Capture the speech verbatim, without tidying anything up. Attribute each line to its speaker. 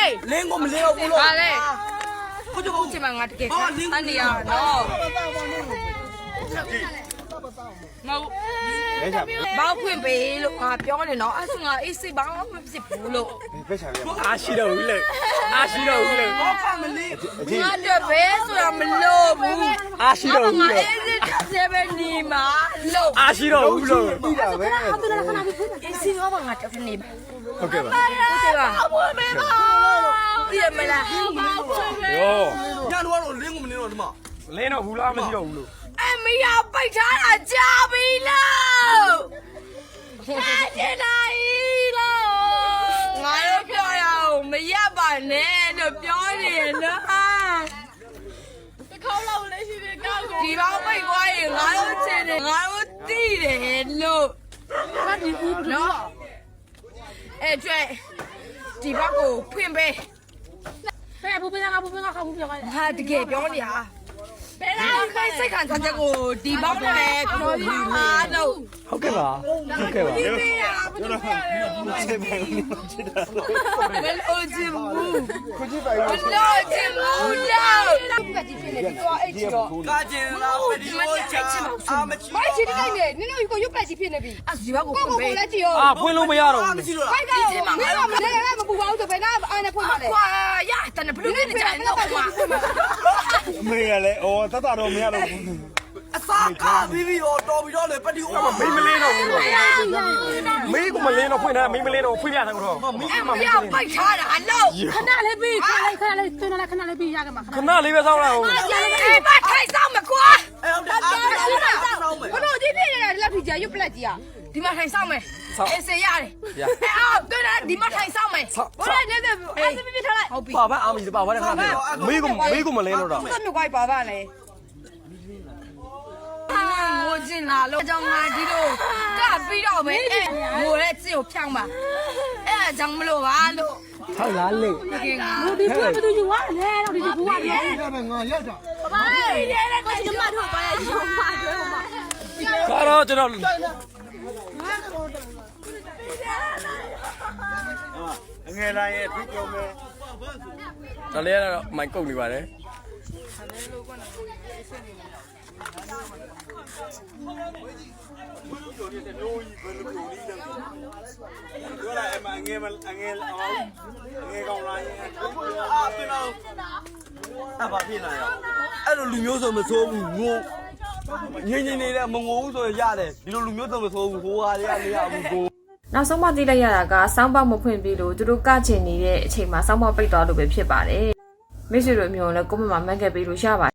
Speaker 1: လင်းကိုမလင်းတော့ဘူးလို့
Speaker 2: ပါလေ
Speaker 1: ကိုကျုပ်
Speaker 2: ဒီမှာငါတကယ်အန်ဒီယာနော်မဟုတ်ဘောက်ဖွင့်ပေးလို့ငါပြောနေတော့အဲ့ဆိုငါအေးစိဘောင်းမဖြစ်ဘူးလို့
Speaker 3: အားရှိတော့ဘူးလေအားရှိတော့ဘူးလေ
Speaker 1: ဘောကမလင်း
Speaker 2: ငါတော့ဘယ်ဆိုတာမလို့ဘူး
Speaker 3: အားရှိတော့ဘူး
Speaker 2: ငါ
Speaker 3: လေ
Speaker 2: အေးစိတက်ပဲနေမှာလို့
Speaker 3: အားရှိတော့ဘူးလို့
Speaker 4: ပြီးတာပဲ
Speaker 2: အေးစိဘောင်းငါတက်နေပါ
Speaker 3: ဟုတ်ကဲ့ပါ
Speaker 2: ဟုတ်တယ်ပါအဖွင့်ပေးပါဒီမလားဘောက်ဖွင့်ပေး
Speaker 3: ရော
Speaker 1: ညတော့လင်းကိုမလင်းတော့ဒီမှာ
Speaker 3: လင်းတော့ဘူးလားမရှိတော့ဘူးလို့
Speaker 2: အမေရပိတ်ထားတာကြာပြီလို့အဲ့ဒါကြီးလို့ငါတို့ပြောရအောင်မရပါနဲ့လို့ပြောနေရနော်တစ်ခေါက်လောက်လည်းရှိတယ်ကောက်ဒီဘောင်ပိတ်သွားရင်ငါတို့ချင်တယ်ငါတို့တီးတယ်လို့ဘာဒီဘူးနော်အဲ့ကျွဲဒီဘောက်ကိုဖွင့်ပေးဖဲဘူးပေးငါဘူးပေးငါခါဘူးပြောရတယ်ဟာတကယ်ပြောနေရဘယ်တော့ခိုင်းစိတ်ခံစားချက်ကိုဒီဘောက်နဲ့ကိုအားလို့
Speaker 3: ဟုတ်ကဲ့ပါဟုတ်ကဲ့ပါ
Speaker 2: ဒီမေးရဘာလို့ပြောရလဲမလို့ချင်ဘူးမလို့ချင်ဘူးလို့ကကြည့်နေတယ်တော့အဲ့ချီတော့
Speaker 1: ကာကျင်လာပဒီမိုချာအာမချီ
Speaker 5: မိုက်ချီတိုင်းနေနင်တို့ကိုရုပ်ပလက်ကြီးဖြစ်နေပြီ
Speaker 2: အဲ့ဒီဘောက်ကို
Speaker 5: ကို
Speaker 2: ဖွင့်ပေး
Speaker 5: ကိုကိုလည်းကြည့်ရော
Speaker 3: အာဖွင့်လို့မရတော့ဘူး
Speaker 1: မရှိတော့
Speaker 5: ဖိုက်ကရောမင်းကမလဲလဲမပူပါဘူးဆိုဘယ်ကအားနဲ့ဖွင့်ပါလဲ
Speaker 2: ကွာရတန်ဘလူးနဲ့ကြိုင်တော့ကွာ
Speaker 4: အမေကလည်းအော်တတ်တာတော့မရတော့ဘူး
Speaker 1: အစားကားပြီးပြီးတော့တော်ပြီးတော့လေပဒီအို
Speaker 3: မင်းမလင်းတော့ဘူးလို့မင်းကမလင်းတော့ဖွင့်တယ်မင်းမလင်းတော့ဖွင့်ပြတယ်တော့မင်း
Speaker 2: အဲ့
Speaker 3: က
Speaker 2: မ
Speaker 3: မလ
Speaker 2: ရ
Speaker 3: င်း
Speaker 2: ပိတ်ထားတာလို့
Speaker 5: ခဏလေးပြီးခဏလေးခဏလေးတွန်းလိုက်ခဏလေးပြီးရကမှာခဏ
Speaker 3: ခဏလေးပဲစောင်းလိုက်အောင်
Speaker 2: ဒီမထိုင်ဆောင်မကွာ
Speaker 1: အဲ့ဟုတ်တယ်အားမရှိတော့ဆောင်းမယ်
Speaker 5: ဘလို့ဒီဖြစ်နေတာလက်ထီကြာရုပ်ပလက်ကြီးอ่ะ
Speaker 2: ဒီမထိုင်ဆောင်မယ်အေးစေရတယ်အဲ့အော်တွေ့တယ်ဒီမထိုင်ဆောင်မယ်
Speaker 5: ဘလို့နေတယ်အဲ့ဒါပြပြထားလိုက်
Speaker 2: ဟုတ်ပြီ
Speaker 3: ပါပါအားမရှိပါဘာလဲခဏလေးမင်းကမင်းကမလင်းတော့တော့
Speaker 5: သူ့မြွားပါပါလေ
Speaker 2: ငိုချင်လာလို့အကြောင်းငါဒီလိုကပြီးတော့ပဲအဲ့ငိုတဲ့စစ်ကိုဖြောင်းပါအဲ့အကြောင်းမလို့ပါလို့
Speaker 3: ဟုတ်လားလေ
Speaker 2: တကယ်က
Speaker 5: ဒီကွာဘယ်သူယူရလဲတော့ဒီဘူးရတယ်
Speaker 4: ဒါပဲငါရောက်တာ
Speaker 5: ဘာလဲတဲ့ကိုကျမတို့ပါရရုံပါတွဲမှာ
Speaker 3: ကတော့ကျွန်တော်
Speaker 4: အငယ်တိုင်းရဲ့ပြီးပြောမယ်
Speaker 3: ဒါလေးကတော့မိုင်ကုတ်နေပါတယ်
Speaker 4: ပြောလိုက်အမငယ်မအငယ်အောင်ငယ်ကောင်းလာရင်
Speaker 1: အာပြင်တော့အဘာဖြစ်လာရအဲ့လိုလူမျိုးဆိုမဆိုးဘူးငိုငင်းငင်းနေတဲ့မငိုဘူးဆိုရတယ်ဒီလိုလူမျိုးဆိုမဆိုးဘူးဟိုဟာတွေကမရဘူးကို
Speaker 6: နောက်ဆုံးမှသိလိုက်ရတာကစောင်းပေါက်မဖွင့်ပြီးလို့သူတို့ကချင်နေတဲ့အချိန်မှာစောင်းပေါက်ပိတ်သွားလို့ပဲဖြစ်ပါတယ်မိတ်ဆွေတို့အမျိုးလည်းကိုမမမှတ်ခဲ့ပြီးလို့ရပါ